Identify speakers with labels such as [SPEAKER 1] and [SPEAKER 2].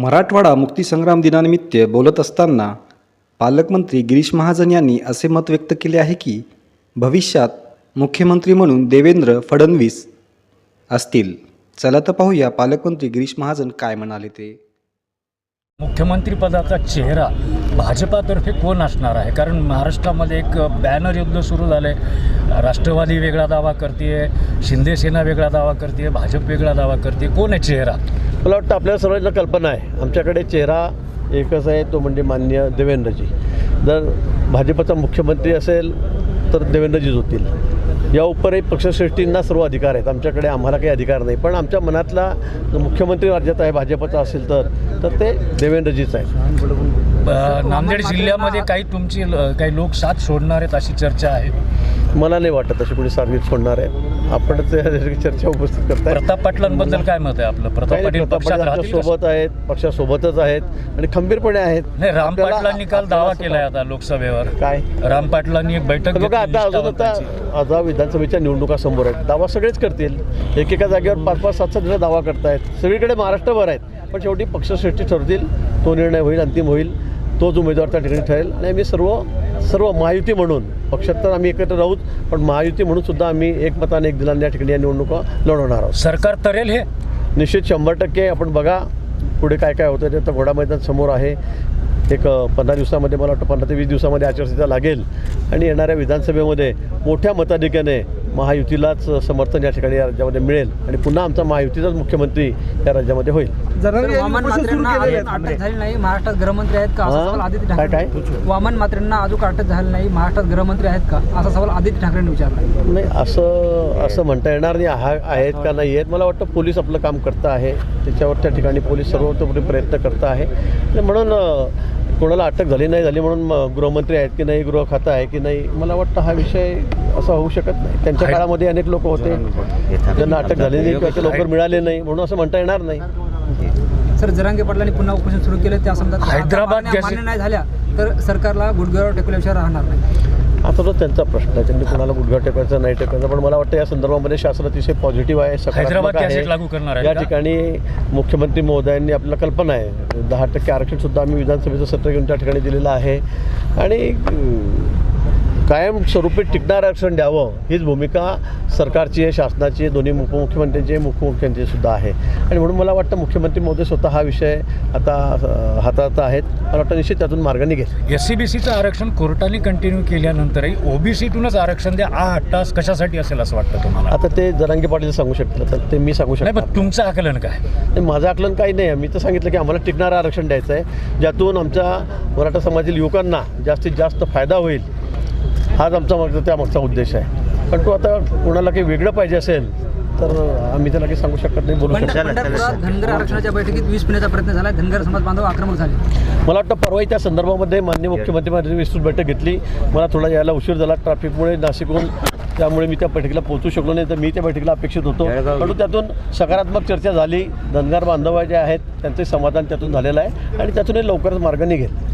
[SPEAKER 1] मराठवाडा मुक्तीसंग्राम दिनानिमित्त बोलत असताना पालकमंत्री गिरीश महाजन यांनी असे मत व्यक्त केले आहे की भविष्यात मुख्यमंत्री म्हणून देवेंद्र फडणवीस असतील. चला तर पाहूया पालकमंत्री गिरीश महाजन काय म्हणाले ते.
[SPEAKER 2] मुख्यमंत्री पदाचा चेहरा भाजपातर्फे कोण असणार आहे? कारण महाराष्ट्रामध्ये एक बॅनर युद्ध सुरू झालं आहे. राष्ट्रवादी वेगळा दावा करते, शिंदे सेना वेगळा दावा करते, भाजप वेगळा दावा करते. कोण आहे चेहरा?
[SPEAKER 3] मला वाटतं आपल्याला सर्वांना कल्पना आहे. आमच्याकडे चेहरा एकच आहे, तो म्हणजे माननीय देवेंद्रजी. जर भाजपचा मुख्यमंत्री असेल तर देवेंद्रजीच होतील. या उपरही पक्षश्रेष्ठींना सर्व अधिकार आहेत. आमच्याकडे आम्हाला काही अधिकार नाही. पण आमच्या मनातला मुख्यमंत्री राज्यात आहे भाजपचा असेल तर ते देवेंद्रजीच आहेत.
[SPEAKER 2] नांदेड जिल्ह्यामध्ये काही लोक साथ सोडणार आहेत अशी चर्चा आहे.
[SPEAKER 3] मला नाही वाटत अशी कोणी सार्वजनिक सोडणार आहे. आपण चर्चा उपस्थित करताय.
[SPEAKER 2] प्रताप पाटलांबद्दल काय मत आहे आपलं? प्रताप पाटील
[SPEAKER 3] सोबत आहेत, पक्षासोबतच आहेत आणि खंबीरपणे आहेत.
[SPEAKER 2] नाही, राम पाटलांनी काल दावा केलाय आता लोकसभेवर.
[SPEAKER 3] काय
[SPEAKER 2] राम पाटलांनी एक बैठक
[SPEAKER 3] बघा, आता विधानसभेच्या निवडणुका समोर आहेत. दावा सगळेच करतील. एकेका जागेवर 5-5, 7-7 जण दावा करतायत. सगळीकडे महाराष्ट्रभर आहेत. पण शेवटी पक्षश्रेष्ठी ठरतील. तो निर्णय होईल, अंतिम होईल. तोच उमेदवार त्या ठिकाणी ठरेल. आणि आम्ही सर्व महायुती म्हणून, पक्षात तर आम्ही एकत्र राहूत, पण महायुती म्हणून सुद्धा आम्ही एकमताने एक दिलाने या ठिकाणी या निवडणुका लढवणार आहोत.
[SPEAKER 2] सरकार तरेल हे
[SPEAKER 3] निश्चित 100%. आपण बघा पुढे काय काय होतं ते. तर घोडा मैदान समोर आहे. एक 15 दिवसामध्ये, मला वाटतं 15 ते 20 दिवसामध्ये आचारसंहिता लागेल आणि येणाऱ्या विधानसभेमध्ये मोठ्या मताधिक्याने महायुतीलाच समर्थन या ठिकाणी या राज्यामध्ये मिळेल आणि पुन्हा आमचा महायुतीचाच मुख्यमंत्री या राज्यामध्ये होईल.
[SPEAKER 4] वामन मात्रेंना अटक झाली नाही, महाराष्ट्रात गृहमंत्री आहेत का असा सवाल आदित्य ठाकरे.
[SPEAKER 3] काय
[SPEAKER 4] वामन मात्रेंना अजून अटक झाली नाही, महाराष्ट्रात गृहमंत्री आहेत का असा सवाल आदित्य ठाकरेंनी विचारला.
[SPEAKER 3] नाही, असं म्हणता येणार नाही. आहेत का नाही आहेत. मला वाटतं पोलीस आपलं काम करतं आहे. त्याच्यावर त्या ठिकाणी पोलीस सर्वतोपरी प्रयत्न करत आहे. म्हणून कोणाला अटक झाली नाही झाली म्हणून गृहमंत्री आहेत की नाही, गृह खातं आहे की नाही, मला वाटतं हा विषय असा होऊ शकत नाही. त्यांच्या काळामध्ये अनेक लोक होते ज्यांना अटक झाली नाही किंवा ते लवकर मिळाले नाही, म्हणून असं म्हणता येणार नाही.
[SPEAKER 4] सर, जरांगे पाटलांनी पुन्हा उपोषण सुरू केलं. त्या समजा
[SPEAKER 2] हैदराबाद
[SPEAKER 4] मान्य नाही झाल्या तर सरकारला गुडघ्यावर टेकल्याशिवाय राहणार नाही.
[SPEAKER 3] आता तो त्यांचा प्रश्न आहे. त्यांनी कोणाला गुडघा टेकायचा नाही टेकायचा. पण मला वाटतं या संदर्भामध्ये शासन अतिशय पॉझिटिव्ह आहे, सकारात्मक आहे.
[SPEAKER 2] लागू करणार आहे.
[SPEAKER 3] या ठिकाणी मुख्यमंत्री महोदयांनी आपल्याला कल्पना आहे 10% आरक्षणसुद्धा आम्ही विधानसभेचं सत्र घेऊन त्या ठिकाणी दिलेलं आहे आणि कायमस्वरूपी टिकणारं आरक्षण द्यावं हीच भूमिका सरकारची आहे, शासनाची आहे, दोन्ही उपमुख्यमंत्र्यांची आहे, मुख्यमंत्र्यांची सुद्धा आहे. आणि म्हणून मला वाटतं मुख्यमंत्री महोदय स्वतः हा विषय आता हातात आहेत. मला वाटतं निश्चित त्यातून मार्ग निघेल.
[SPEAKER 2] SCBCचं आरक्षण कोर्टाने कंटिन्यू केल्यानंतरही OBCतूनच आरक्षण द्या हा हट्टास कशासाठी असेल असं वाटतं तुम्हाला?
[SPEAKER 3] आता ते जरांगे पाटील सांगू शकतील, तर ते मी सांगू शकतो.
[SPEAKER 2] नाही, पण तुमचं आकलन काय?
[SPEAKER 3] माझं आकलन काही नाही. मी तर सांगितलं की आम्हाला टिकणारं आरक्षण द्यायचं आहे, ज्यातून आमच्या मराठा समाजातील युवकांना जास्तीत जास्त फायदा होईल. हाच आमचा त्यामागचा उद्देश आहे. पण तो आता कोणाला काही वेगळं पाहिजे असेल तर आम्ही त्याला काही सांगू शकत नाही, बोलू शकत नाही.
[SPEAKER 4] पंढरपुरात धनगर आरक्षणाच्या बैठकीत विष पिण्याचा प्रयत्न झाला. धनगर समाज बांधव आक्रमक झाले.
[SPEAKER 3] मला वाटतं परवाही त्या संदर्भामध्ये माननीय मुख्यमंत्र्यांनी विस्तृत बैठक घेतली. मला थोडा यायला उशीर झाला ट्रॅफिकमुळे नाशिकहून, त्यामुळे मी त्या बैठकीला पोहोचू शकलो नाही. तर मी त्या बैठकीला अपेक्षित होतो. परंतु त्यातून सकारात्मक चर्चा झाली. धनगर बांधव जे आहेत त्यांचे समाधान त्यातून झालेलं आहे आणि त्यातूनही लवकरच मार्ग निघेल.